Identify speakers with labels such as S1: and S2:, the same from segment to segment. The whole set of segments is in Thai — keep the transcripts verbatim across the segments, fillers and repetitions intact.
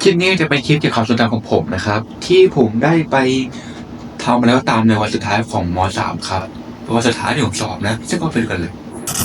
S1: ลิปนี้จะเป็นคลิปเกี่ยวกับความทรงจำของผมนะครับที่ผมได้ไปทำมาแล้วตามในวันสุดท้ายของม .สาม ครับวันสุดท้ายที่ผมสอบนะซึ่งก็ไปดูกันเลย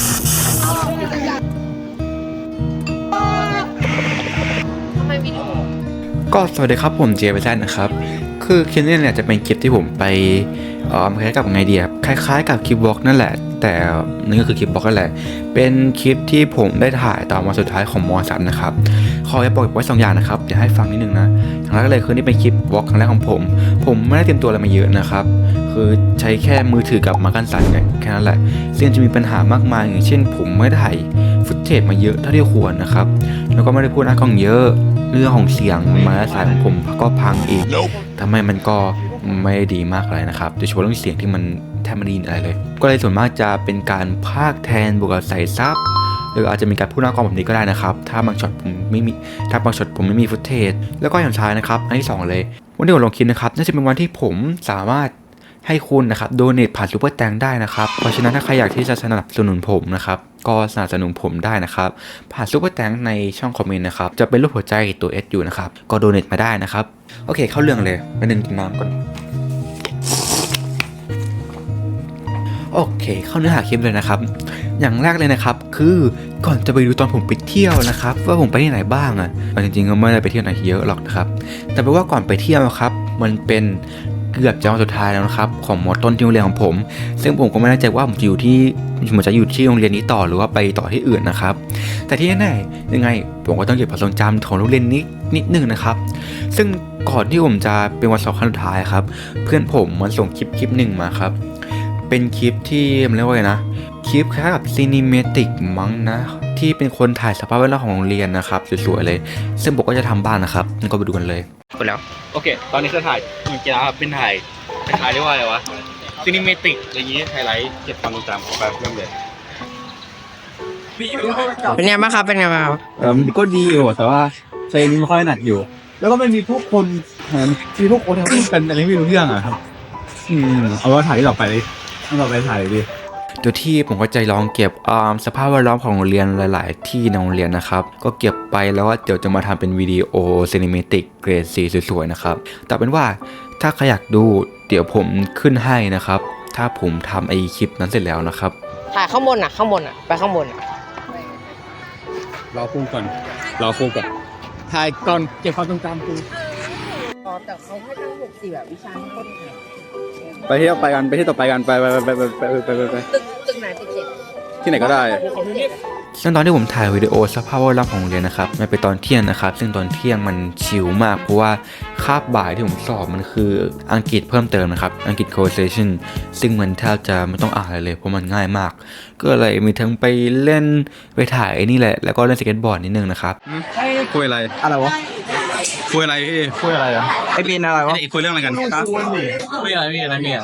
S1: ก็สวัสดีครับผมเจไปแซนนะครับคือคลิปนี้เนี่ยจะเป็นคลิปที่ผมไปเอ่อคล้ายกับไงดีครับคล้ายๆกับคลิปบล็อกนั่นแหละแต่นี่ก็คือคลิปบล็อกนั่นแหละเป็นคลิปที่ผมได้ถ่ายตอนวันสุดท้ายของม .สาม นะครับขอจะบอกไว้สองอย่างนะครับเดี๋ยวให้ฟังนิดนึงนะอย่างแรกเลยคือนี่เป็นคลิปบล็อกครั้งแรกของผมผมไม่ได้เตรียมตัวอะไรมาเยอะนะครับคือใช้แค่มือถือกับไม้กันสั่นเนี่ยแค่นั้นแหละซึ่งจะมีปัญหามากมายอย่างเช่นผมไม่ได้ถ่ายฟุตเทจมาเยอะเท่าที่ควรนะครับแล้วก็ไม่ได้พูดหน้ากล้องเยอะเรื่องของเสียงไม้สายของผมก็พังอีกทำไมมันก็ไม่ดีมากเลยนะครับโดยเฉพาะเรื่องเสียงที่มันแทบไม่ได้ยินอะไรเลยก็เลยส่วนมากจะเป็นการพากย์แทนบวกกับใส่ซับหรืออาจจะมีการพูดหน้ากล้องแบบนี้ก็ได้นะครับถ้าบางช็อตผมไม่มีถ้าบางช็อตผมไม่มีฟุตเทจแล้วก็อย่างท้ายนะครับอันที่สองเลยวันที่ผมลงคลิปนะครับน่าจะเป็นวันที่ผมสามารถให้คุณนะครับโดเนทผ่านซูเปอร์แตงได้นะครับเพราะฉะนั้นถ้าใครอยากที่จะสนับสนุนผมนะครับก็สนับสนุนผมได้นะครับผ่านซูเปอร์แตงในช่องคอมเมนต์นะครับจะเป็นรูปหัวใจตัว S อยู่นะครับก็โดเนทมาได้นะครับโอเคเข้าเรื่องเลยไปนึ่งกินน้ำก่อนโอเคเข้าเนื้อหาคลิปเลยนะครับอย่างแรกเลยนะครับคือก่อนจะไปดูตอนผมไปเที่ยวนะครับว่าผมไปที่ไหนบ้างอ่ะจริงๆก็ไม่ได้ไปเที่ยวไหนเยอะหรอกนะครับแต่แปลว่าก่อนไปเที่ยวครับมันเป็นเกือบจะวันสุดท้ายแล้วนะครับของมอต้นที่โรงเรียนของผมซึ่งผมก็ไม่แน่ใจว่าผมจะอยู่ที่ผมจะอยู่ที่โรงเรียนนี้ต่อหรือว่าไปต่อที่อื่นนะครับแต่ที่แน่ๆยังไงผมก็ต้องเก็บความทรงจำของโรงเรียนนี้นิดนึงนะครับซึ่งก่อนที่ผมจะเป็นวันสอบครั้งสุดท้ายครับเพื่อนผมมันส่งคลิปคลิปหนึ่งมาครับเป็นคลิปที่มันเรียกว่าไงนะคลิปคล้ายกับซีนิเมติกมั้งนะที่เป็นคนถ่ายสภาพแวดล้อมของโรงเรียนนะครับสวยๆเลยซึ่งผมก็จะทำบ้านนะครับงั้นก็ไปดูกันเลยไปแล้ว
S2: โอเคตอนนี้คือถ่ายเหมือนกีฬาเป็นถ่ายเป็นถ่ายเรียกว่าอะไรวะซีนิเมติกอะไรอย่างงี้ไฮไลท์เก็บความทรงจำของแบบเริ่มเลย
S3: เป็นไงบ้างครับเป็นไงบ้างครับ
S2: เออมันก็ดีอยู่แต่ว่าเพลงไม่ค่อยหนักอยู่แล้วก็ไม่มีผู้คนมีผู้คนทำกันอะไรไม่รู้เรื่องอะครับอืมเอาว่าถ่ายที่ต่อไปเลยที่ต่อไปถ่ายดิ
S1: โดยที่ผมก็ใจลองเก็บสภาพแวดล้อมของโรงเรียนหลายๆที่ในโรงเรียนนะครับก็เก็บไปแล้วว่าเดี๋ยวจะมาทำเป็นวิดีโอซีนิเมติกเกรดสีสวยๆนะครับแต่เป็นว่าถ้าใครอยากดูเดี๋ยวผมขึ้นให้นะครับถ้าผมทำไอคลิปนั้นเสร็จแล้วนะครับ
S3: ถ่ายข้างบนอ่ะข้างบนอ่ะไปข้างบนอ่ะ
S2: รอคู่ก่อนรอคู่ก่อนถ่ายก่อนเก็บความทรงจำกู
S3: อ๋อแต่เขาให้ทั้งหกสี่แบบวิชาทั้งหมด
S2: ไปที่ต่อไปกันไปที่ต่อไปกันไปไปไปไปไปไปไปไป
S3: ตึกตึกไหนตึกเจ็ด
S2: ที่ไหนก็ได้
S1: ซึ่งตอนที่ผมถ่ายวิดีโอสภาพแวดล้อมของโรงเรียนนะครับมันเป็นตอนเที่ยงนะครับซึ่งตอนเที่ยงมันชิลมากเพราะว่าคาบบ่ายที่ผมสอบมันคืออังกฤษเพิ่มเติมนะครับอังกฤษ conversation ซึ่งมันแทบจะไม่ต้องอ่านอะไรเลยเพราะมันง่ายมากก็เลยมีทั้งไปเล่นไปถ่ายนี่แหละแล้วก็เล่นสเก็ตบอร์ดนิดนึงนะครับ
S2: คุยอะไรอะไรวะคุยอะไรพี่คุยอะไรอ่ะไอปีนอะไรวะคุยเรื่องอะไรกันคุยอะไรพี่อะไรเนี่ย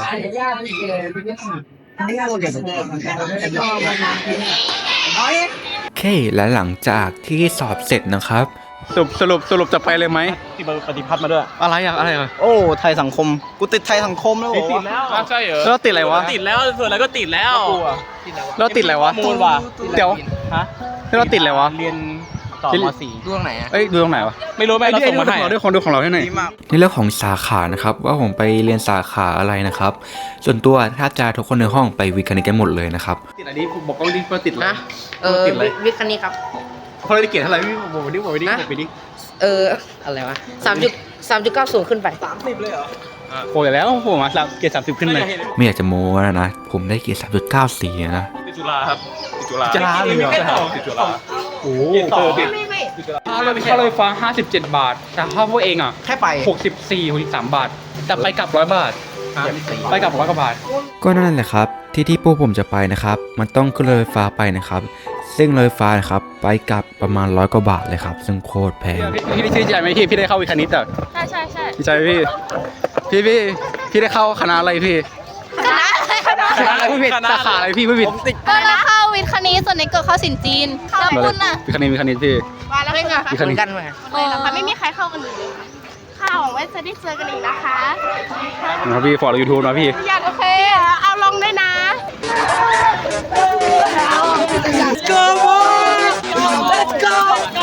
S1: โอเคและหลังจากที่สอบเสร็จนะครับ
S2: สรุปสรุปสรุปจะไปเลยไหมที่ปฏิพัฒน์มาด้วยอะไรอะอะไรอะโอ้ไทยสังคมกูติดไทยสังคมแล้วติดแล้วใช่เหรอแล้วติดอะไรวะ
S4: ติดแล้วส่วนอะไรก็ติดแล้ว
S2: แล้วติดอะไรวะ
S4: มูลว่ะ
S2: เดี๋ยวฮะแล้วติดอะไรวะ
S4: เรียนต่อม.สี่
S3: ดูตรงไหนอ่ะ
S2: เอ้ยดูตรงไหนวะ
S4: ไม่รู้ไม่เราส่งมาให้
S2: ด้วยคนดูของเราให้หน่อย
S1: ในเรื่องของสาขานะครับว่าผมไปเรียนสาขาอะไรนะครับส่วนตัวถ้าจะทุกคนในห้องไปวิทย์คณิตกันหมดเลยนะครับ
S2: ติดอะไรนี่บอกก็รีบติดเลย
S3: เออวิทย์คณิตครับ
S2: พอเราได้เกรดเท่าไหร่พี่บอกไปดิบอกไปดิบอกไปดิ
S3: เอออะไรวะสามจุดสามจุดเก้าศูนย์ขึ้นไป
S2: สามสิบเลยเหรอโอ้ยแล้วผมมาเกรดสามสิบขึ้นเลย
S1: ไม่อยากจะโม้นะนะผมได้เกรดสามจุดเก้าสี่นะ
S4: ติดจุฬาครับติดจุฬา
S2: จุฬาเลยเหรอ
S4: ติดจุฬา
S2: โอ้
S4: ต่อ
S3: ไม่ไม่ไม่
S4: ค่ารถค่ารถไฟฟ้าห้าสิบเจ็ดบาทแต่ค่าพวกเองอ่ะ
S3: แค่ไป
S4: หกสิบสี่ หกสิบสามบาทแต่ไปกลับร้อยบาทไปกลับร้อยกว่าบาท
S1: ก็นั่นแหละครับที่ที่พวกผมจะไปนะครับมันต้องขึ้นรถไฟฟ้าไปนะครับซึ่งรถไฟฟ้านะครับไปกลับประมาณร้อยกว่าบาทเลยครับซึ่งโคตรแพง
S2: พี่พี่ชื่อใจไหมพี่พี่ได้เข้าวิทย์คณิตอ่ะ
S5: ใช่ใช่ใช่
S2: พี่ใจพี่พี่พี่พี่ได้เข้าคณะอะไรพี่
S5: คณะคณะ
S2: คณะอะไรพี่สาขาอะไรพี่พี่
S5: ก็แล้วเข้าวิทย์คณิตส่วนในเกิดเข้าศิลป์จีนแล้วคุณน่ะ
S2: วิทย์คณิตวิทย์คณิตพี่
S5: ว่าแล้วไง
S2: วิทย์คณิต
S3: กันไหม
S5: เลยนะคะไม่มีใครเข้ากันเลยค่ะหวังว่าจะได้เจอกันอีกนะคะ
S2: นะพี่ฟอร์ดยูทูบนะพี่
S5: อยากโอเคเอาลงด้วยนะ
S3: Let's go boy Let's go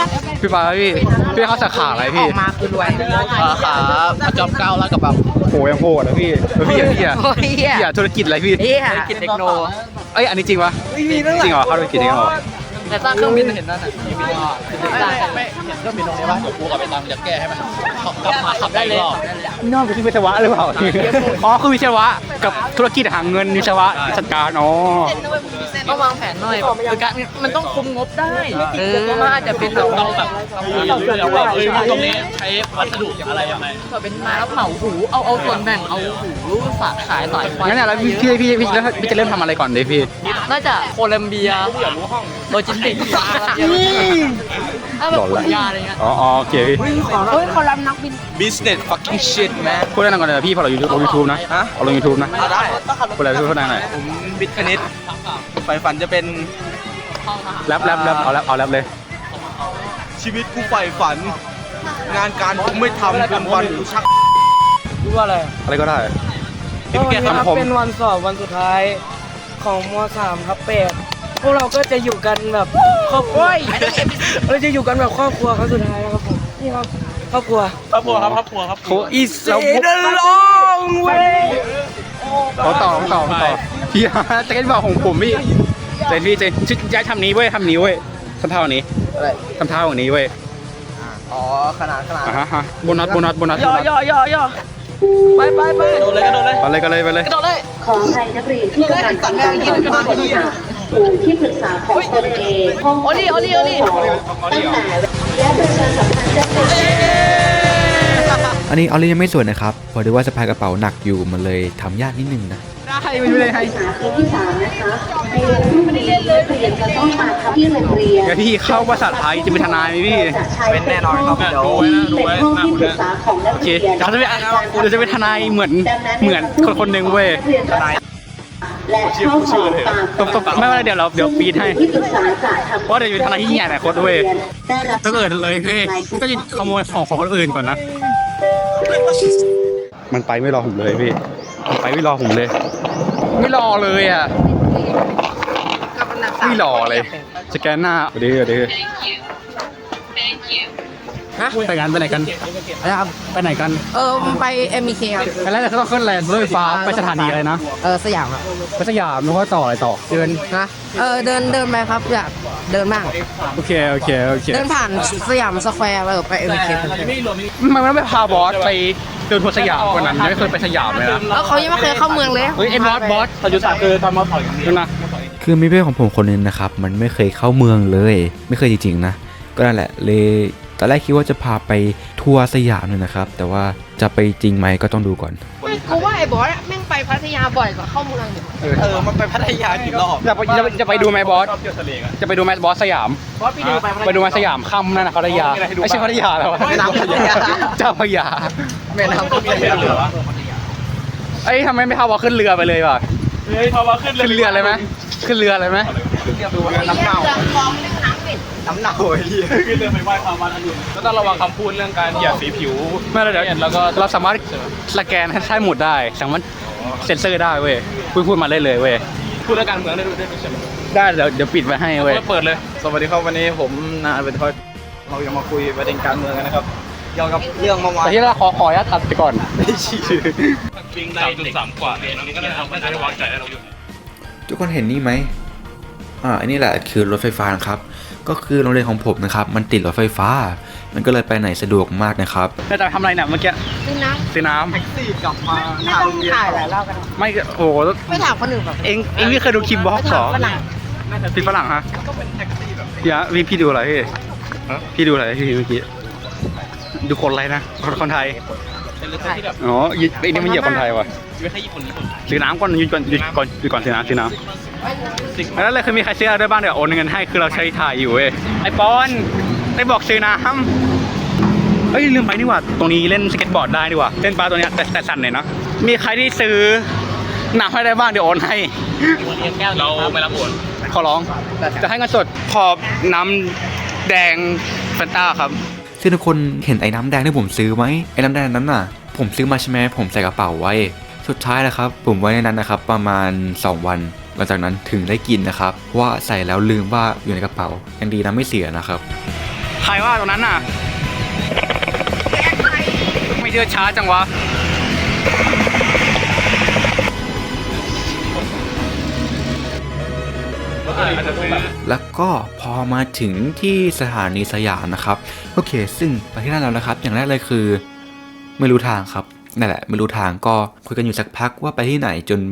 S4: พี่ปาพี่พี่เข้าสาขาอะไร
S3: อ
S4: พี่
S3: อกมาคือรวย
S4: สาขาจอมเก้าแล้วกับแบบโหยังโหดนะพี่แล้วพี่อะพี่อะ
S3: โอ้ยเหี้ย
S4: พี่อะธุรกิจอะไรพี่
S3: เหี้ย
S4: ธุรกิจเทคโนเอ้ยอันนี้จริงปะจริงเหรอเข้าธุรกิจเทคโน
S3: แต่สร้างเครื่องบินเห็นนั่นน่ะ
S4: ไม่เห็นเครื่องบินตรงนี้ปะเดี๋ยวกูกับไปตามจะแก้ให้มันกลับมาขับได้เลยนอกจากที่วิศวะหรือเปล่าอ๋อคือวิศวะกับธุรกิจหาเงินวิศวะจัดการอ๋อ
S3: ต้องวางแผนหน่อยคือการมันต้องคุมงบได้เออมันอาจจะเป็นแบบ
S4: ต้องแบบต้องรู้แล้วว่าเอ้ยตรงนี้ใช้วัสดุอะไรยังไง
S3: เป็นไม้แล้วเหมาหูเอาเอาส่วนแบ่งเอาหูฝากขายต่อยไฟ
S4: งั้นเนี่ยแล้วพี่พี่พี่พี่พี่จะเริ่มทำอะไรก่อนเลยพี่
S3: น่าจะโคลัมเบียโลจิสติกส์ถ้าแบบขนยาอะไรเงี้ย
S4: อ๋อโอเคพี่
S3: เฮ้ยเขารับนักบิน
S2: business fucking shit man
S4: พูดได้หน่อยก่อนเลยพี่พอเราอยู่ลงยูทูบนะ
S2: ฮะ
S4: เอาลงยูทูบนะ
S2: ได้
S4: พูดอะไรพูดได้หน่อย
S2: ผมบิดคณิตไฟฝันจะเป็น
S4: แรปแรปแรปเอาแรปเอาแรปเลย
S2: ชีวิตกูใฝ่ฝัน งานการกูไม่ทำกันวันกูชัก
S6: รู้ว่าอะไร
S4: อะไรก็ได้
S6: ก็วันนี้ครับ
S4: คำคม
S6: เป็นวันสอบวันสุดท้ายของม .สาม ครับแปดพวกเราก็จะอยู่กันแบบครอบครัวเราจะอยู่กันแบบครอบครัวครั้งสุดท้ายนะครับผมนี่ครับครอบครัว
S2: ครอบครัวครับครอบครัวครับ
S4: โคอีสเรา
S6: เดินลงเว้ย
S4: เขาต่อเขาต่อเขาต่อพี่ฮะจะเป็นบอกของผมพี่เจนพี่เจนชุดย้ายทำนี้เว้ยทำนี้เว้ยทำเท่านี้ทำเท่าอย่างนี้เว้ย
S2: อ๋อขนาดขนาด
S4: อ่าฮะฮะโบนัสโบนัสโบนัส
S6: ย่อย่อย่อย่อไปไปไป
S2: โดนเลยก็โดนเลย
S4: ไปเลยกันเลยไปเลย
S7: ขออภัยนักเรียนที่กำลังทำการสอบข้อค้นหาครูที่ปรึกษาของตนเองห้องสองตั้งแต่และประชาสัมพันธ์เจ้าหน้าที่
S1: อันนี้ออลลี่ยังไม่สวยนะครับเพราะด้วยว่าสะพายกระเป๋าหนักอยู่มันเลยทำยากนิดนึงนะ
S4: ได้ไม่เป็นไรให้
S7: ศึกษาปีที่สามนะคะในวันพรุ่งนี้นักเรียนจะต้องมาทำที่โรงเรียน
S4: เดี๋ยวพี่เข้าภาษาไทยจะเป็นทนายไหมพี่
S7: เป็นแน่นอนครับเดี๋ยวเป็นห้องที่ปรึกษาของนัก
S4: โอเค
S7: เรียน
S4: เราจะเป็นเราจะเป็นทนายเหมือนเหมือนคนคนหนึ่งเว้ย
S7: ทนายและเข้าสอบตาม
S4: ตบตบไม่เป็นไรเดี๋ยวเราเดี๋ยวปีดให้
S7: ที่ปรึกษาจะทำ
S4: เพราะเดี๋ยวอยู่ทนายที่ใหญ่หลายคนเว้ย
S7: ได้รับ
S4: ถ้าเกิดเลยเฮ้ยก็จะขโมยของของคนอื่นก่อนนะ มันไปไม่รอผมเลยพี่มันไปไม่รอผมเลย ไม่รอเลยอ่ะ ไม่รอเลย สแกนหน้าเดี๋ยวเดี๋ยว
S3: ฮะ
S4: ไปกันไปไหนกัน
S3: นะครับ
S4: ไปไหนกัน
S3: เออไป เอ็ม บี เค ครับ
S4: ไปแล้วเราต้องขึ้นแลนด์รถไฟฟ้าไปสถานีอะไรนะ
S3: เออสยามครับ
S4: ไปสยามแล้วก็ต่ออะไรต่อเดิน
S3: นะเออเดินเดินไปครับอยากเดินบ้าง
S4: โอเคโอเคโอเค
S3: เดินผ่านสยามสแควร์ไปไป เอ็ม บี เค
S4: มันไม่ไปพาบอสไปเดินทัวร์สยามกว่านั้นยังไม่เคยไปสยามเลยนะ
S3: แล้วเขายังไม่เคยเข้าเมืองเลย
S4: เฮ้ยไอ้บอสบอสตอนอยู่สามคือตอนมาถอยกันนะ
S1: คือมีเพื่อนของผมคนนึงนะครับมันไม่เคยเข้าเมืองเลย ไม่เคยจริงๆนะก็นั่นแหละเลยตอนแรกคิดว่าจะพาไปทัวร์สยามเลยนะครับแต่ว่าจะไปจริงไหมก็ต้องดูก่อน
S3: กูว่าไอ้บอสแม่งไปพัทยาบ่อยกว่าเข้าเมืองอยู่
S2: เออมันไปพัทยากี่รอบ
S4: จะไปจะไปจะไปดูไหมบอสจะไปดูไหมบอสสยาม
S3: บอสไปดูไป
S4: ไปดูไหมสยามค่ำนั่นนะพัทยาไม่ใช่พัทยาแล้วอะ
S2: แม่น้ำพัทยา
S4: เจ้าพระยา
S3: แม่น้ำพัทยา
S4: เอ้ยทำไมไม่พาบอสขึ้นเรือไปเลยวะ
S2: เฮ้ยพอมาขึ้นเลย
S4: ขึ้นเรือเลยไหมขึ้นเรือเลยไหม
S2: น้ำเน่าน้ำเน่าไอ้เหี้ยขึ้นเรือไปไหว้พระมาทันทีก็ต้องระวังคำพูดเรื่องการเหยียดสีผิว
S4: ไม่แล้วเดี๋ยวแล้วก็เราสามารถสแกนให้ใช้หมุดได้สามารถเซ็นเซอร์ได้เว้ยพูดพูดมาได้เลยเว้ย
S2: พูดเรื่องการเมืองได้ด้วยใช่ไหม
S4: ได้เดี๋ยวเดี๋ยวปิดไว้ให้เว้ย
S2: เปิดเลย สวัสดีครับวันนี้ผมนาเป็นทอยเราจะมาคุยประเด็นการเมืองกันนะครับเกี่ยวกับเรื่องเมื่อวาน
S4: แต่ที่เราขอขออนุญาตตัดไปก่อน
S2: วิ่งได้จุดสามกว่าเนี่ยนี่ก็เลยทำให้ได้วางใจเราอยู่
S1: ทุกคนเห็นนี่ไหมอ่าอันนี้แหละคือรถไฟฟ้านะครับก็คือโรงเรียนของผมนะครับมันติดรถไฟฟ้า มันก็เลยไปไหนสะดวกมากนะครับ
S4: เราจะทำอะไรเนี่ยเมื่อกี้
S3: ซื้อน้
S4: ซื้อน้
S2: แท็กซี่กลับมา
S3: ำไม่ต้องถ่ายหลายรอบกัน
S4: ำไม่โอ้โห
S3: ไม่ถามคนอื่นแบบ
S4: เอ็งเอ็งไม่เคยดูคลิปบล็อกเหรอ
S3: ฝรั่ง
S4: พี่ฝรั่งฮะพี่ฮะพี่พี่ดูอะไรพี่พี่ดูอะไรพี่เมื่อกี้ดูคนอะไรนะคนคนไทยอ๋อไอ้นี่มันเหยียบคนไทยว่ะซื้อน้ำก่อนยืนก่อนยืนก่อนยืนก่อนซื้อน้ำซื้อน้ำแล้วเลยคือมีใครซื้ออะไรด้วยบ้างเดี๋ยวโอนเงินให้คือเราใช้ถ่ายอยู่เว้ยไอปอนได้บอกซื้อน้ำเฮ้ยลืมไปนี่หว่าตรงนี้เล่นสเก็ตบอร์ดได้ดีกว่าเล่นปลาตัวเนี้ยแต่แต่สั่นหน่อยเนาะมีใครที่ซื้อน้ำให้ได้บ้างเดี๋ยวโอนให้
S2: เราไม่รับโอน
S4: ขอร้องจะให้เงินสดขอบน้ำแดงแฟนต้าครับ
S1: ซึ่งทุกคนเห็นไอ้น้ำแดงที่ผมซื้อไหมไอ้น้ำแดงนั้นน่ะผมซื้อมาใช่ไหมผมใส่กระเป๋าไว้สุดท้ายนะครับผมไว้ในนั้นนะครับประมาณสองวันหลังจากนั้นถึงได้กินนะครับเพราะว่าใส่แล้วลืมว่าอยู่ในกระเป๋ายังดีนะไม่เสียนะครับ
S4: ใครว่าตรงนั้นน่ะไม่เดือดช้าจังวะ
S1: แล้วก็พอมาถึงที่สถานีสยามนะครับโอเคซึ่งไปที่นั่นแล้วนะครับอย่างแรกเลยคือไม่รู้ทางครับนั่นแหละไม่รู้ทางก็คุยกันอยู่สักพักว่าไปที่ไหนจน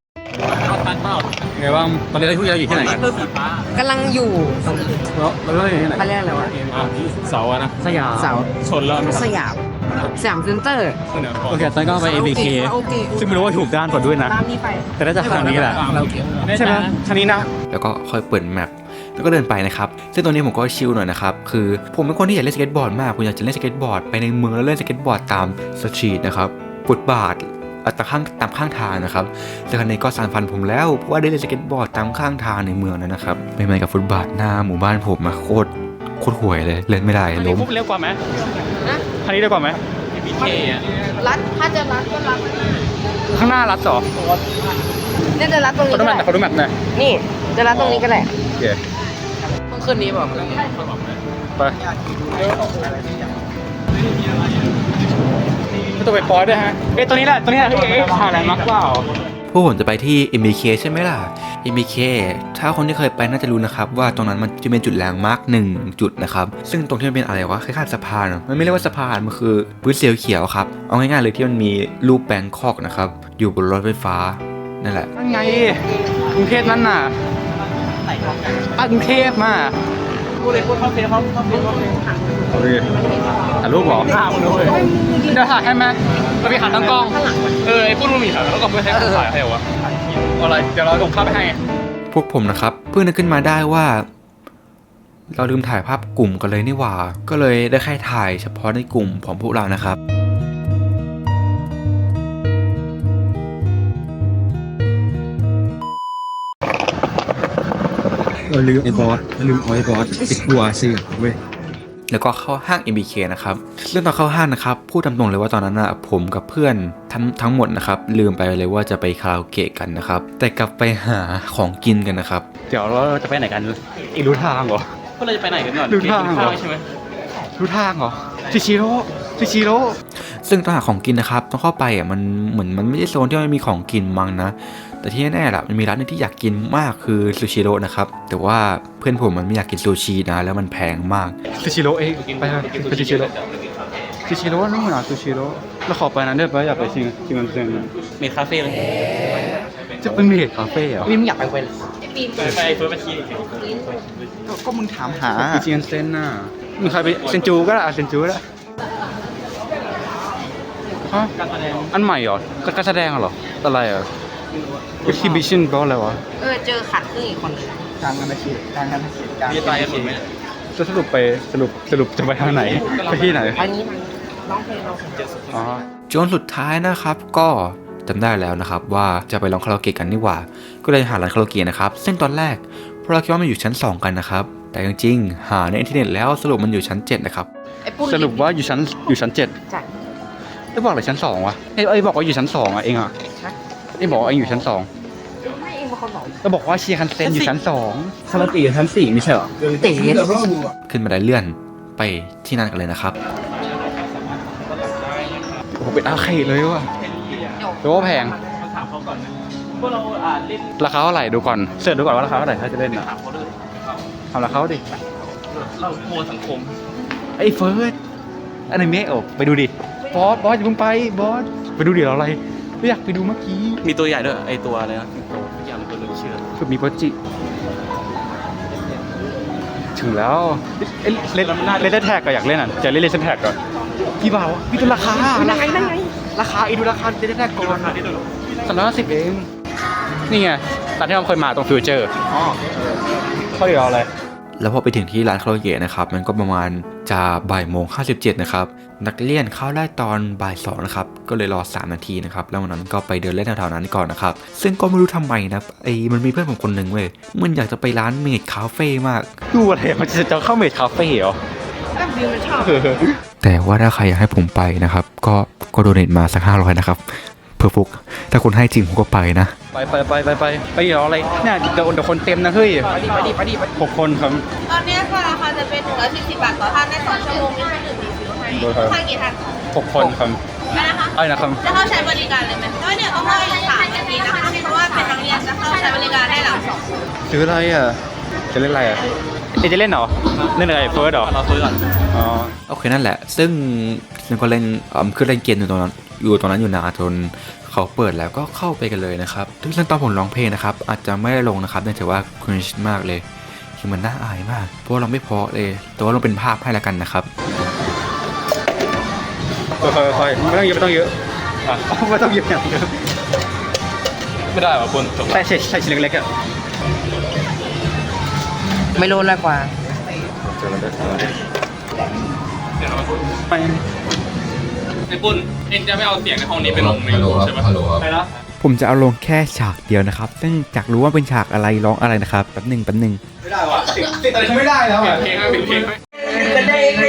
S4: ไงบ้างตอนนี้เราอยู่ที่ไหนกัน
S3: กำลังอยู่
S4: เราเราอยู่ที่ไหน
S3: ไปเรียกอะไรวะ
S2: เสาอะนะ
S3: สยามเสา
S2: ชนแล้ว
S3: สยามสยามเซ็นเตอร์
S4: โอเคตอนนก็ไป เอ บี เค
S3: โอเค
S4: ซึ่งไม่รู้ว่าถูกด้านก่อนด้วยนะ
S3: ตามนี้ไป
S4: แต่น่าจะทางนี้แหละใช่ไหมทางนี้นะ
S1: แล้วก็ค่อยเปิดแมปแล้วก็เดินไปนะครับซึ่งตรงนี้ผมก็ชิลหน่อยนะครับคือผมเป็นคนที่อยากเล่นสเก็ตบอร์ดมากผมอยากจะเล่นสเก็ตบอร์ดไปในเมืองแล้วเล่นสเก็ตบอร์ดตามสตรีทนะครับฟุตบาทตามข้างตามข้างทางนะครับแต่ครั้นี้ก็สานฟันผมแล้วเพราะว่าได้เล่นสเก็ตบอร์ดตามข้างทางในเมืองนั้นนะครับไม่เหมือนกับฟุตบาทหน้าหมู่บ้านผมอะโคตรโคตรห่วยเลยเล่นไม่ได้
S4: ทาง
S1: ล้
S4: นี้
S1: ม
S4: ปุ๊บเร็วกว่าไหมทางนี้เร็วกว่าไหม
S5: รัดถ้าจะรัดก็รัด
S4: ข้างหน้ารัดต่อ
S5: เนี่ยจะรัดตรง
S4: ขอ
S5: นี้
S4: ดู
S5: ก็
S4: แมป
S5: ได้
S4: ขอดูแมปหน่อย
S5: นี่จะรัดตรงนี้ก็ได้
S4: โอเค
S3: ต้องขึ้นนี้เปล่า
S4: ไปไม่ต้องไปปอยด้วยฮะเอ้ยตัวนี้แหละตัวนี้แหละที่เอ๊ะทางแลนด์มาร์คเปล่า
S1: พวกผมจะไปที่ เอ็ม บี เค ใช่ไหมล่ะ เอ็ม บี เค ถ้าคนที่เคยไปน่าจะรู้นะครับว่าตรงนั้นมันจะเป็นจุดแลนด์มาร์คหนึ่งจุดนะครับซึ่งตรงที่มันเป็นอะไรวะคล้ายๆสะพานอะมันไม่เรียกว่าสะพานมันคือพื้นเสียวเขียวๆครับเอาง่ายๆเลยที่มันมีรูปแบงคอกนะครับอยู่บนรถไฟฟ้านั่นแหละ
S4: นั่นไงกรุงเทพนั่นน่ะอ่ะกรุงเทพมาพูดเลยพูดเข้าเฟซเขาเข้าเฟซเขาเฟซเอาดิถ่ายรูปเหรอจะถ่ายให้ไหมเราไปหาตั้งกล้องเออไอ้พูดมันมีถ่ายแล้วก็เพื่อให้เขาถ่ายให้เหรอวะอะไรเดี๋ยวเราส่งภาพไปให้
S1: พวกผมนะครับเพิ่งนึกขึ้นมาได้ว่า เราลืมถ่ายภาพกลุ่มกันเลยนี่หว่า ก็เลยได้แค่ถ่ายเฉพาะในกลุ่มของพวกเรานะครับ
S2: เราลืมไอ้บอสลืมเอาไอ้บอสไอ้กลัวเสือเว้ย
S1: แล้วก็เข้าห้าง เอ็ม บี เค นะครับเรื่องตอนเข้าห้างนะครับพูดตามตรงเลยว่าตอนนั้นนะผมกับเพื่อนทั้งทั้งหมดนะครับลืมไปเลยว่าจะไปคาราโอเกะกันนะครับแต่กลับไปหาของกินกันนะครับ
S4: เดี๋ยวเราจะไปไหนกันอีกรู้ทางเหรอก็เราจะไปไหนกันก่อนรู้ทางเหรอใช่ไหมรู้ทางเหรอชิชิโร่ชิชิโร่
S1: ซึ่งตอนหาของกินนะครับต้องเข้าไปอ่ะมันเหมือนมันไม่ใช่โซนที่มันมีของกินมั้งนะแต่ที่แน่ๆล่ะมันมีร้านนึงที่อยากกินมากคือซูชิโร่นะครับแต่ว่าเพื่อนผมมันไม่อยากกินซูชินะแล้วมันแพงมาก
S4: ซูชิโร่เองไปเถอะไปซูชิโร่ซูชิโร่นู่นน่ะซูชิโร่เราขอไปนั้นได้ปะอยากไปชิมชิมมันเซ็งเมดคาเฟ่เลยจะเป็นเมดคาเฟ่เหรอ
S3: นี่มึงอยากไปเว้น
S4: ไปเฟิร์สมาชีก็มึงถามหาชิมเซ็นน่ะมึงใครไปเซนจูก็ได้เซนจูก็ได้ฮะอันใหม่เหรอการแสดงเหรออะไรอ่ะ exhibition แปลว่าอะไรวะ
S3: เออเจอขัดครึ่งอีกคนนึง
S2: กลางกันนะคิดกลางกันนะคิดกลาง
S4: มีตายกันหมดไหมจะสรุปไปสรุปสรุปจะไปทางไหนไปที่ไหน
S3: อันนี้มันร้องเพลงเราสนใจ
S4: อ๋อ
S1: จนสุดท้ายนะครับก็จำได้แล้วนะครับว่าจะไปร้องคาราโอเกะกันนี่หว่า ก็เลยหาร้านคาราโอเกะนะครับซึ่งตอนแรกพวกเราคิดว่ามันอยู่ชั้นสองกันนะครับแต่จริงๆหาในอินเทอร์เน็ตแล้วสรุปมันอยู่ชั้นเจ็ดนะครับ
S3: ไอ้ปุ้น
S4: สรุปว่าอยู่ชั้นอยู่ชั้นเจ็ด
S3: ใช่
S4: ได้บอกเลยชั้นสองวะไอ้ไอ้บอกว่าอยู่ชั้นสองอ่ะเองอ่ะไอ้บอกว่าเองอยู่ชั้นสอง
S3: ไม่เองเป็นคนบอก
S4: ก็บอกว่าเชียร์คันเซนอยู่ชั้นสอง
S2: คาราตีชั้นสี่ไม่ใช่เหรอ
S3: เต๋
S1: ขึ้นมาได้เลื่อนไปที่นั่นกันเลยนะครับ
S4: โอ้โหเป็นอาร์เคดเลยว่ะแปลว่าแพงราคาเท่าไหร่ดูก่อนเสิร์ชดูก่อนว่าราคาเท่าไหร่ถ้าจะเล่นอ่ะทำราคาดิเราโมสังคมไอ้เฟิร์สอนิเมะออกไปดูดิบอสบอสอย่าเพิ่งไปบอสไปดูดิเราอะไรไม่อยากไปดูเมื่อกี้
S8: มีตัวใหญ่ด้วยไอตัวอะไรนะตัวทุกอย่างตัวลืมชื่อ
S4: คือมีโปรจิถึงแล้วเอ้ยเล่นเล่นแท็กก็อยากเล่นอ่ะจะเล่นเล่นแท็กก่อนกี่บาทวะพี่ตัวราคาราคาราคาอีดูราคาเล่นแท็กก่อนสามร้อยห้าสิบเองนี่ไงตอนที่เราเคยมาตรงฟิวเจอร์อ๋อเขาเรียกอะไร
S1: แล้วพอไปถึงที่ร้านคาราโอเกะนะครับมันก็ประมาณจะบ่ายโมงห้าสิบเจ็ดนะครับนักเรียนเข้าได้ตอนบ่ายสองนะครับก็เลยรอสามนาทีนะครับแล้ววันนั้นก็ไปเดินเล่นแถวๆนั้นก่อนนะครับซึ่งก็ไม่รู้ทำไมนะไอ้มันมีเพื่อนผมคนหนึ่งเว้ยมันอยากจะไปร้านเมดคาเฟ่มาก
S4: ดูอะไรมันจะจะเข้าเมดคาเฟ่เหรอ
S3: ก็บิวมันชอบ
S1: แต่ว่าถ้าใครอยากให้ผมไปนะครับก็ก็โดเนทมาสักห้าร้อยนะครับเพื่อฟุกถ้าคุณให้จริงผมก็ไปนะ
S4: ไปไปไปไปไปไปรออะไรเนี่ยเดี๋ยวเดี๋ยวคนเต็มนะเฮ้ย
S3: ไปดิไปดิไปดิไปดิ
S4: หกคนครับ
S5: ตอนนี้ค่ะราคาจะเป็นหนึ่งร้อยสี่สิบบาทต่อท่านได้สองชั่วโมงมีเครื่องดื่มรีฟิลให้ท่านกี่ท่าน
S4: หกคนครับ
S5: ได้นะคะ
S4: อะไรนะครับ
S5: จะเข้าใช้บริการเลยไหมก็เดี๋ยวต้องรออีกสามนาทีนะคะเพราะว่าเป็นนักเรียนจะเข้าใช้บริการได้หลังสอง
S4: ซื้ออะไรอ่ะ จะเล่นอะไรอ่ะเอ๊ะจะเล่นเหรอ เล่นอะไรเฟิร์สเหรอเราเฟิร์สก่อนอ๋อ
S1: โอเคนั่นแหละ ซึ่งซึ่งก็เล่นอ่าคือเล่นเกมอยู่ตรงนั้นอยู่ตรงนั้นอยู่นานจนเขาเปิดแล้วก็เข้าไปกันเลยนะครับซึ่งตอนผมร้องเพลงนะครับอาจจะไม่ได้ลงนะครับเนื่องจากว่าครินช์มากเลยคือมันน่าอายมากเพราะว่าเราไม่เพราะเลยแต่ว่าลงเป็นภาพให้ละกันนะครับ
S4: ค่อยๆไม่ต้องเยอะไม่ต้องเยอะอ่ะไม่ต้องเยอะอย่างเยอะไม่ได้ป่ะคุณใส่ใส่ใส่ชิ้นเล็กๆอ่ะ
S6: ไม่รู้ละกว่า
S4: ไป
S8: ไอ้ปุ้นเองจะไม่เอาเสียงในห้องนี้ไปลงในยูทูบใช่ไหม
S4: ไปแล้ว
S1: ผมจะเอาลงแค่ฉากเดียวนะครับซึ่งอยากรู้ว่าเป็นฉากอะไรร้องอะไรนะครับแป๊บหนึ่งแป๊บหนึ่ง
S4: ไม่ได้ว่ะติดติดอะไรไม่ได้แล้วอ่ะเพลงไม่เป็นเพลงไม่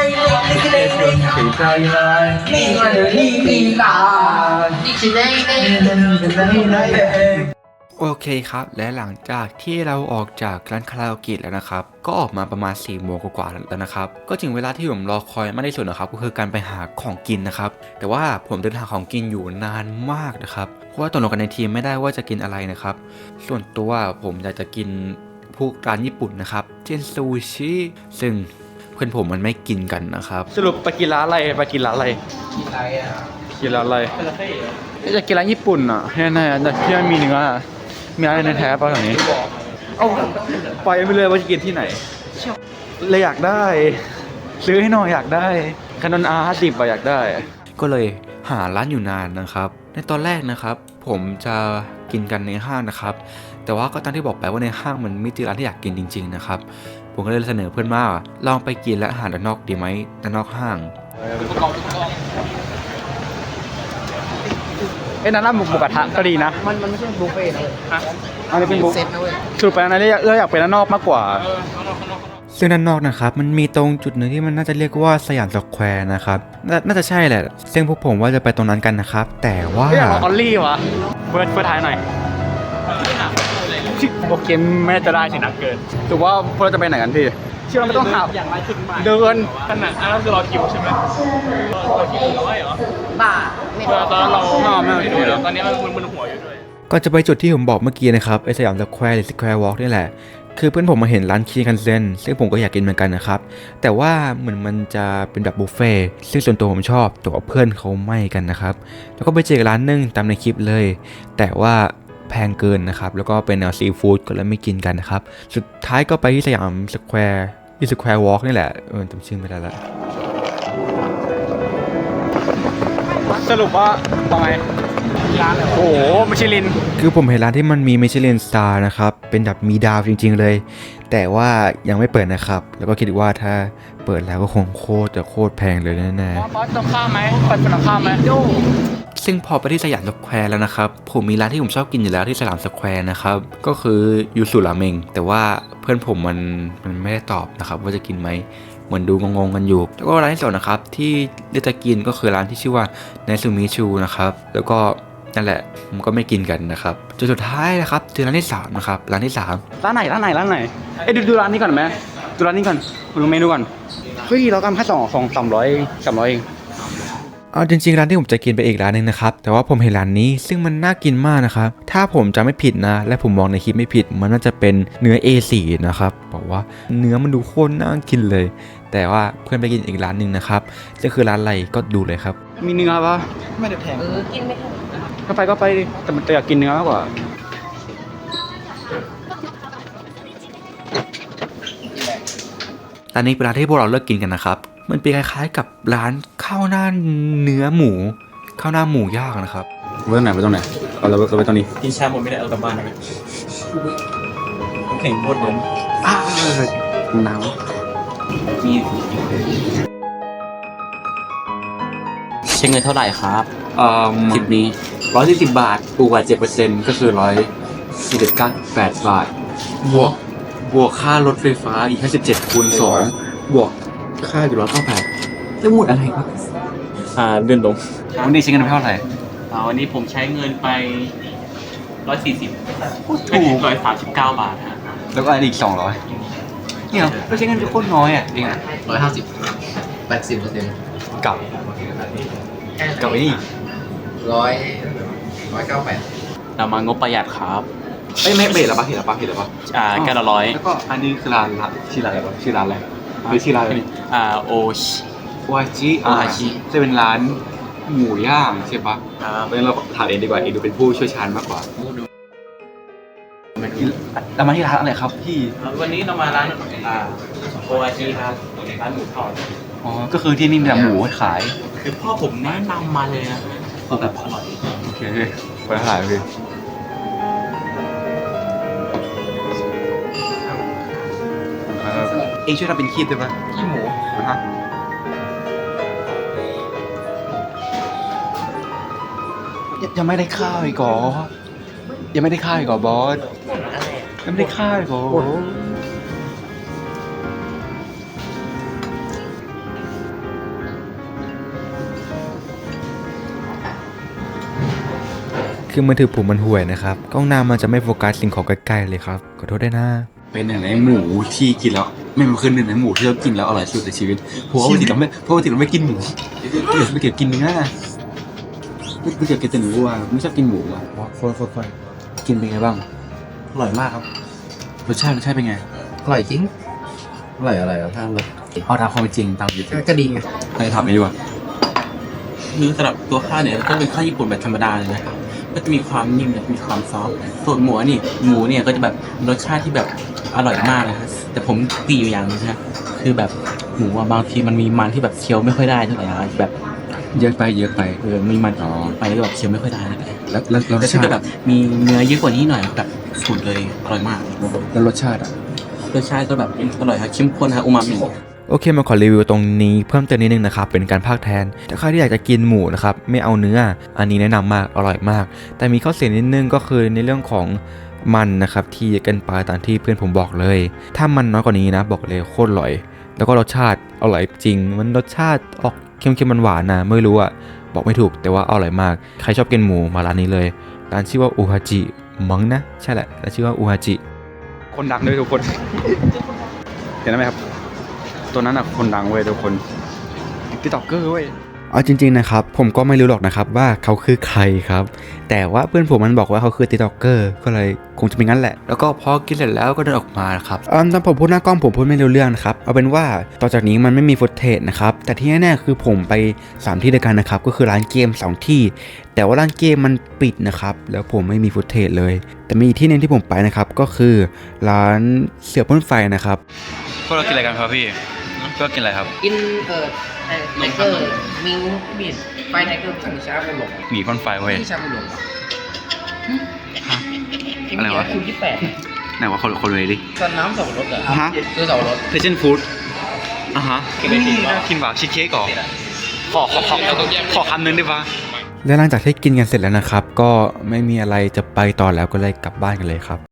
S1: โอเคครับและหลังจากที่เราออกจากร้านคาราโอเกะแล้วนะครับก็ออกมาประมาณสี่โมงกว่าๆแล้วนะครับก็ถึงเวลาที่ผมรอคอยมากที่สุดนะครับก็คือการไปหาของกินนะครับแต่ว่าผมเดินหาของกินอยู่นานมากนะครับเพราะว่าตกลงกันในทีมไม่ได้ว่าจะกินอะไรนะครับส่วนตัวผมอยากจะกินพวกร้านญี่ปุ่นนะครับเช่นซูชิซึ่งเพื่อนผมมันไม่กินกันนะครับ
S4: สรุปไปกินร้านอะไรไปกินร้านอะไรกินร้านอะไรอยากกินร้านญี่ปุ่นอ่ะแน่ๆแต่ที่มันมีเนื้ออะมีร้านในแท้ป่ะแถวนี้เอาไปไม่เลยว่าจะกินที่ไหนเลยอยากได้ ซื้อให้หน่อยอยากได้คานอนอาร์สิบอะอยากได้
S1: ก็เลยหาร้านอยู่นานนะครับในตอนแรกนะครับผมจะกินกันในห้างนะครับแต่ว่าก็ตามที่บอกไปว่าในห้างมันไม่เจอร้านที่อยากกินจริงๆนะครับผมก็เลยเสนอเพื่อนว่าลองไปกินและอาหารด้านนอกดีไหมด้านนอกห้าง
S4: เอ้ยนั่นร้านหมูหมูกระทะก็ดีนะ
S6: มันมันไม่ใช่บุฟเฟ่ต์นะเว้ย
S4: อันนี้เป็นบุฟ
S6: เซ็ตนะเว้ย
S4: สรุปไปอันนั้นเลยเราอยากไปด้านนอกมากกว่า
S1: ซึ่งด้านนอกนะครับมันมีตรงจุดหนึ่งที่มันน่าจะเรียกว่าสยามสแควร์นะครับนาน่าจะใช่แหละซึ่งพวกผมว่าจะไปตรงนั้นกันนะครับแต่ว่า
S4: ไม่อยากลองออลลี่วะเฟิร์สเฟิร์สท้ายหน่อยโอเคไม่น่าจะได้สินะเกินถือว่าพวกเราจะไปไหนกันพี่เชื่อเราไม่ต้องหาเดินขนาดอันนั้นคือรอคิวใช่ไหมรอคิวร้อยเหรอ
S6: บ้าไม่รู้
S4: ตอนนั้นเราไม่เอาไม่เอาด้วยตอนนี้มันมึนหัวอยู่ด้วย
S1: ก่อนจะไปจุดที่ผมบอกเมื่อกี้นะครับไอสยามสแควร์หรือสแควร์วอล์กนี่แหละคือเพื่อนผมมาเห็นร้านคีคันเซ็นซึ่งผมก็อยากกินเหมือนกันนะครับแต่ว่าเหมือนมันจะเป็นแบบบุฟเฟ่ต์ซึ่งส่วนตัวผมชอบแต่ว่าเพื่อนเขาไม่กันนะครับแล้วก็ไปเจอร้านนึงตามในคลิปเลย แต่ว่าแพงเกินนะครับแล้วก็เป็นแนวซีฟู้ดก็เลยไม่กินกันนะครับสุดท้ายก็ไปที่สยามสแควร์ที่สแควร์วอล์กนี่แหละเออจำชื่อไม่ได้ละ
S4: สรุปว่าทำไมร้านโอ้โหมิชลิน
S1: คือผมเห็นร้านที่มันมีมิชลินสตาร์นะครับเป็นแบบมีดาวจริงๆเลยแต่ว่ายังไม่เปิดนะครับแล้วก็คิดว่าถ้าเปิดแล้วก็คงโคตรจะโคตรแพงเลยแน่
S4: บอสต้องข้ามไหมเปิดต้องข้ามไหม
S1: ๆซึ่งพอไปที่สยามสแควร์แล้วนะครับผมมีร้านที่ผมชอบกินอยู่แล้วที่สยามสแควร์นะครับก็คือยูสุราเมงแต่ว่าเพื่อนผมมันมันไม่ได้ตอบนะครับว่าจะกินไหมเหมือนดูงงๆกันอยู่แล้วก็ร้านที่สองนะครับที่เลือกจะกินก็คือร้านที่ชื่อว่าไนซูมิชูนะครับแล้วก็นั่นแหละผมก็ไม่กินกันนะครับจนสุดท้ายนะครับเจอร้านที่สามนะครับร้านที่สาม
S4: ร้านไหนร้านไหนร้านไหนเอ้ยดูดูร้านนี้ก่อนไหมดูร้านนี้ก่อนดูเมนูก่อนเฮ้ยเราทำแค่สองสองสามร้อยสามร้อยเอง
S1: เอาจริงๆร้านที่ผมจะกินไปอีกร้านหนึ่งนะครับแต่ว่าผมเห็นร้านนี้ซึ่งมันน่ากินมากนะครับถ้าผมจะไม่ผิดนะและผมมองในคลิปไม่ผิดมันน่าจะเป็นเนื้อ เอ โฟร์ นะครับบอกว่าเนื้อมันดูโคตรน่ากินเลย แต่ว่าเพื่อนไปกินอีกร้านหนึ่งนะครับจะคือร้านอะไรก็ดูเลยครับ
S4: มีเนื้อปะไม่ได้แพง
S6: เออกินไม่ถูก
S4: ก็ไปก็ไปดิแต่มันแต่อยากกินเนื้อมากกว่า
S1: ร้านนี้เป็นร้านที่พวกเราเลิกกินกันนะครับมันเป็นคล้ายๆกับร้านข้าวหน้าเนื้อหมูข้าวหน้าหมูย่างนะครับ
S4: ไปตรงไหนไปตรงไหนเอาเราเราไปตรงนี้
S8: กินชาหมดไม่ได้เอากลับบ้านนะแข่งโคตรเดิน
S4: อ้าวหนาว
S8: ใช้เงินเท่าไหร่ครับ
S2: เอ่อ
S8: ทริปนี้
S2: ร้อยสี่สิบบาทบวกเจ็ดเปอร์เซ็นต์ก็คือร้อยสี่สิบเก้าแปดบาทบวกบวกค่ารถไฟฟ้าอีกห้าสิบเจ็ดคูณสองบวกค่าอยู่ร้อยเก้าแปดจะหมดอะไรครับ
S8: อ่าเดินลง
S4: วันนี้ใช้เงินไปเท่าไหร่
S8: อ่าวันนี้ผมใช้เงินไปร้อยสี่สิบถูกร้อยสามสิบเก้าบาทฮะ
S4: แล้วก็อันอีกสองร้อย
S1: เนี่ยเราใช้เงินโคตรน้อยอ่ะเองอ่ะ
S2: ร้อยห้าสิบแปดสิบเปอร์เซ็นต์
S1: กับกับไอ้นี่
S2: ร้อยร้อยเก้าแปด
S8: เรามางบประหยัดครับ
S1: เอ้ยไม่เบรดหรอปะเห็นหรอปะเห็นหรอปะ
S8: อ่าแก้วละร้อย
S1: แล้วก็อันนี้คือร้านละชื่อร้านอะไรวะชื่อร้านอะไรหรือชื่อร้านอะไร
S8: อ่าโอชิ
S1: วาจิ
S8: วาจิ
S1: จะเป็นร้านหมูย่างใช่ปะ
S8: ครับ
S1: เพราะฉะนั้นเราถามเองดีกว่าเองดูเป็นผู้เชี่ยวชาญมากกว่าเรามาที่ร้านอะไรครับพี่
S8: วันนี้เรามาร้านอ่าโออาชิครับร้านหมูทอด
S1: อ๋อก็คือที่นี่มีแต่หมูขาย
S8: คือพ่อผมแนะนำมาเลยนะแบบอร่อย
S1: โอเคไปถ่ายพี่เองช่วยทำเป็นคีบได้ปะคีบหมูนะฮะยังไม่ได้ข้าวอีกเหรอยังไม่ได้ข้าวอีกเหรอบอสยังไม่ได้ข้าวอีกเหรอคือมือถือผมมันห่วยนะครับกล้องหน้ามันจะไม่โฟกัสสิ่งของใกล้ๆเลยครับขอโทษด้วยนะเป็นหนึ่งในหมูที่กินแล้วไม่มันคือหนึ่งในหมูที่เรากินแล้วอร่อยสุดในชีวิตเพราะว่าปกติเราไม่เพราะปกติเราไม่กินหมูไม่เกี่ยวกินเนื้อไม่เกี่ยวกินแต่หมูอ่ะไม่ชอบกินหมูอ่ะโฟนโฟนโฟนกินเป็นไงบ้างอร่อยมากครับรสชาติรสชาติเป็นไง
S2: อร่อยจริงอร่อยอะไรอ่ะท่านเลย
S1: เอาตามความเป็นจริงตามจริง
S2: ก็ดีไง
S1: ใครถามไม่ดีกว่า
S8: คือสำหรับตัวข้าวเนี่ยก็เป็นข้าวญี่ปุ่นแบบธรรมดาเลยนะครับก็จะมีความนิ่มและมีความซอฟต์ส่วนหมูนี่หมูเนี่ยก็จะแบบรสชาติที่แบบอร่อยมากนะครับแต่ผมตีอยู่อย่างนึงนะคือแบบหมูอะบางทีมันมีมันที่แบบเคี้ยวไม่ค่อยได้เท่าไหร่นะแบบ
S1: เยอะไปเยอะไป
S8: เออมีมันอ๋อไปแล้วแบบเคี้ยวไม่ค่อยได้นะ
S1: แล้วแล้วแล้วร
S8: แต่
S1: ส
S8: ถ้า
S1: ชา
S8: เกิด
S1: ติ
S8: แบบมีเนื้อเยอะกว่านี้หน่อยแบบสุดเลยอร่อยมาก
S1: แล้วรสชาติอ่ะ
S8: รสชาติก็แบบอร่อยครับเข้มข้นครับอูมามิ
S1: โอเคมาขอรีวิวตรงนี้เพิ่มเติมนิดนึงนะครับเป็นการพากย์แทนแต่ใครที่อยากจะกินหมูนะครับไม่เอาเนื้ออันนี้แนะนำมากอร่อยมาก แต่มีข้อเสียนิดนึงก็คือในเรื่องของมันนะครับที่เยอะเกินไปตามที่เพื่อนผมบอกเลย ถ้ามันน้อยกว่านี้นะบอกเลยโคตรอร่อย แล้วก็รสชาติอร่อยจริงมันรสชาติออกเค็มๆมันหวานนะไม่รู้อะบอกไม่ถูกแต่ว่าอร่อยมากใครชอบกินหมูมาร้านนี้เลยร้านชื่อว่าอูฮาจิมั้งนะใช่แหละร้านชื่อว่าอูฮาจิคนดังด้วยทุกคน เห็นไหมครับตัวนั้นอ่ะคนดังเว้ยทุกคนติ๊กต็อกเกอร์เว้ยเอาจริงๆนะครับผมก็ไม่รู้หรอกนะครับว่าเขาคือใครครับแต่ว่าเพื่อนผมมันบอกว่าเขาคือติ๊กต็อกเกอร์ก็เลยคงจะเป็นงั้นแหละแล้วก็พอกินเสร็จแล้วก็เดินออกมาครับอืมตอนผมพูดหน้ากล้องผมพูดไม่รู้เรื่องนะครับเอาเป็นว่าต่อจากนี้มันไม่มีฟุตเทจนะครับแต่ที่แน่ๆคือผมไปสามที่ด้วยกันนะครับก็คือร้านเกมสองที่แต่ว่าร้านเกมมันปิดนะครับแล้วผมไม่มีฟุตเทจเลยแต่มีที่นึงที่ผมไปนะครับก็คือร้านเสือพ่นไฟนะครับพวกเรากินอะไรกันครับพี่พวกกินอะไรครับ
S6: กินเอ่อไทเกอร์มิงบิดไฟไทเกอร์มีชาบุหลง
S1: หมีพ่นไฟเว้ย
S6: ที่ชาบุหลง
S1: อะไรวะ
S6: คิวที่แปด
S1: ไหนว่าคนคนเลยดิ
S6: ตอนน้ำสับปะรดเหรอ
S1: ฮะ
S6: คือสับปะรด
S1: เพชนฟู้ดอ่ะฮะกินได้กินว่ากินว่าชีสเค้กก่อนขอขอขอขอคำนึงได้ปะแล้วหลังจากที่กินกันเสร็จแล้วนะครับก็ไม่มีอะไรจะไปต่อแล้วก็เลยกลับบ้านกันเลยครับ